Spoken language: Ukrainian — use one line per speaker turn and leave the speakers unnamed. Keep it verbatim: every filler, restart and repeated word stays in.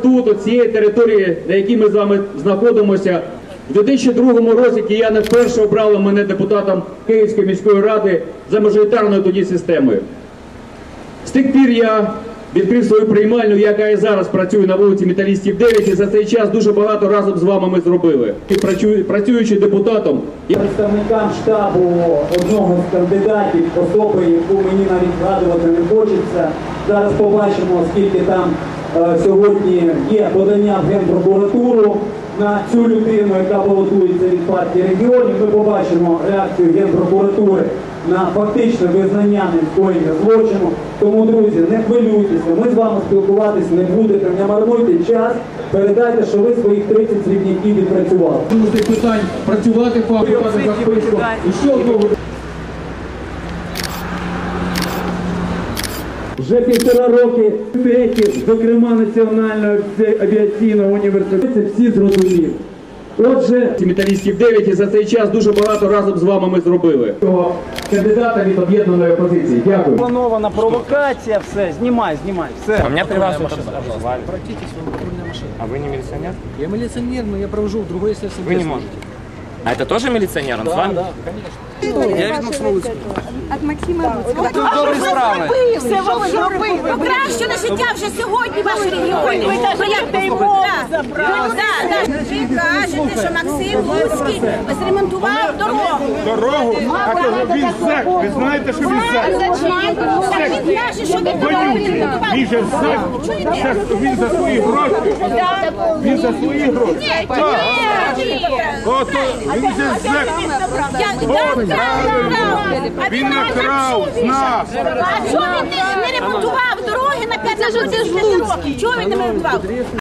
Тут, от цієї території, на якій ми з вами знаходимося, в дві тисячі другому році кияни вперше обрали мене депутатом Київської міської ради за мажоритарною тоді системою. З тих пір я відкрив свою приймальню, яка і зараз працює на вулиці Металістів дев'ять, і за цей час дуже багато разом з вами ми зробили. І працюючи депутатом...
Представникам штабу одного з кандидатів, особи, яку мені навіть згадувати не хочеться, зараз побачимо, скільки там е, сьогодні є подання в Генпрокуратуру на цю людину, яка балотується від партії регіонів. Ми побачимо реакцію Генпрокуратури на фактичне визнання нескоєння злочину. Тому, друзі, не хвилюйтеся, ми з вами спілкуватися не будете, не марнуйте час, передайте, що ви своїх тридцять срібняків відпрацювали.
Тому з цих питань працювати, фактувати за списком. І ще одного.
Вже півтора роки п'ятих, зокрема Національного авіаційного університету, всі зрозуміли. Отже,
Металістів дев'ять, і за цей час дуже багато разом з вами ми зробили. Кандидата від об'єднаної опозиції. Дякую.
Планована провокація, все, знімай, знімай, все.
А меня при вас это
Обратитесь в патрульную машину.
А вы не милиционер?
Я милиционер, но я провожу в другое следствие.
Вы не можете. А это тоже милиционер? Он с
Да,
вами?
да, конечно.
Я від Максима Луцького. От Максима Луцького.
Добрі справи.
Все ви зробили. Покращили життя вже сьогодні в вашій регіоні. Ви навіть його забрали. Ви кажете, що Максим Луцький зремонтував дорогу.
Дорогу? А то він зек. Ви знаєте, що він зек?
Так він каже, що він дорогу ремонтував.
Він же зек. Це він за свої гроші. Він за свої гроші.
Ні, ні.
Ото він же зек. Він накрав з нас.
А чого він не ремонтував дороги на п'ятнадцять років? Чого він не ремонтував?